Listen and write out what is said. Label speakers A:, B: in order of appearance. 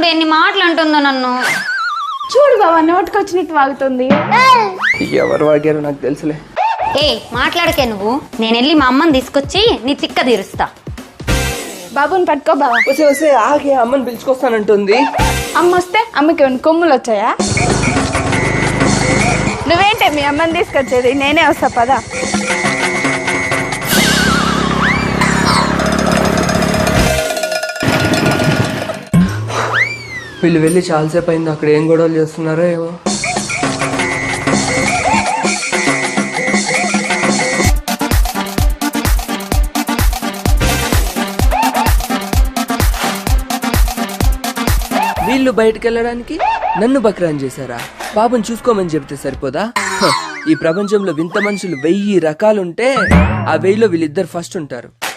A: ఎన్ని మాటలు అంటుందో నన్ను.
B: చూడు బావా నోటికొచ్చినట్టు వాగుతుంది.
C: ఎవరు వాగారు నాకు తెలుసులే.
A: ఏ మాట్లాడకే నువ్వు. నేను వెళ్ళి మా అమ్మని తీసుకొచ్చి నీ తిక్క తీరుస్తా.
B: బాబుని పట్టుకో బావా.
C: వస్తే వస్తే ఆగే, అమ్మని పిలుచుకొస్తానంటుంది.
B: అమ్మ వస్తే అమ్మకి ఏమైనా కొమ్ములు వచ్చాయా? నువ్వేంటే మీ అమ్మని తీసుకొచ్చేది? నేనే వస్తా పదా.
C: వీళ్ళు వెళ్ళి చాలాసేపు అయింది, అక్కడ ఏం గొడవలు చేస్తున్నారో ఏమో. వీళ్ళు బయటకు వెళ్ళడానికి నన్ను బక్రాన్ చేశారా? బాబుని చూసుకోమని చెప్తే సరిపోదా? ఈ ప్రపంచంలో వింత మనుషులు 1000 రకాలుంటే ఆ 1000లో వీళ్ళిద్దరు ఫస్ట్ ఉంటారు.